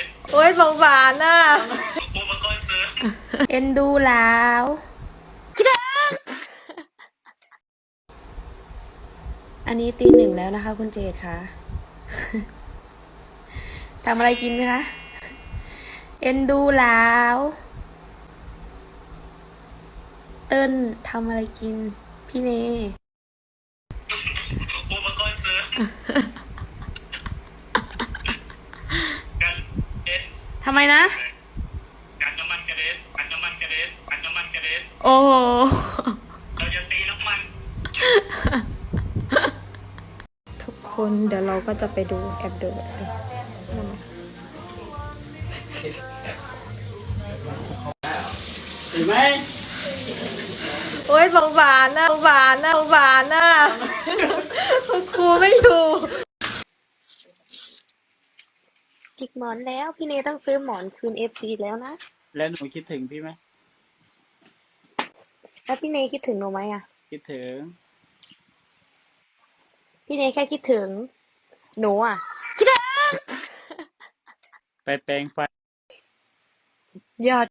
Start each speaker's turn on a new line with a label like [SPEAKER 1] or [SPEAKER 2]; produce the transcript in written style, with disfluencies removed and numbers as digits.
[SPEAKER 1] โอ้ยสงสารน่ะ
[SPEAKER 2] กูมาก้อนซื้อ
[SPEAKER 3] เอ็นดูแล้วอันนี้ตี 1แล้วนะคะคุณเจดค่ะ ทำอะไรกินคะเอ็นดูแล้วเติ้ลทำอะไรกินพี่เน
[SPEAKER 2] กูมาก้อนซื้อกันเอ็น
[SPEAKER 3] ทำไมนะ
[SPEAKER 2] กันน้ำมันกระเด็นกันน้ำมันกระเด็นกันน้ำมันกระเด็น
[SPEAKER 3] โอ้โห
[SPEAKER 2] เราจะตีน้ำมัน
[SPEAKER 1] ทุกคนเดี๋ยวเราก็จะไปดูแอบเดิน
[SPEAKER 2] เห็นไหม
[SPEAKER 1] โอ้ยสงสารน่ะสงสารน่ะสงสารน่ะครูไม่อยู่
[SPEAKER 3] จิกหมอนแล้วพี่เนต้องซื้อหมอนคืนFCแล้วนะ
[SPEAKER 4] แล้วหนูคิดถึงพี่ไหม
[SPEAKER 3] แล้วพี่เนคิดถึงหนูไหมอ่ะ
[SPEAKER 4] คิดถึง
[SPEAKER 3] พี่เนแค่คิดถึงหนูอ่ะ
[SPEAKER 4] ไปแปรงฟัน
[SPEAKER 3] ยอด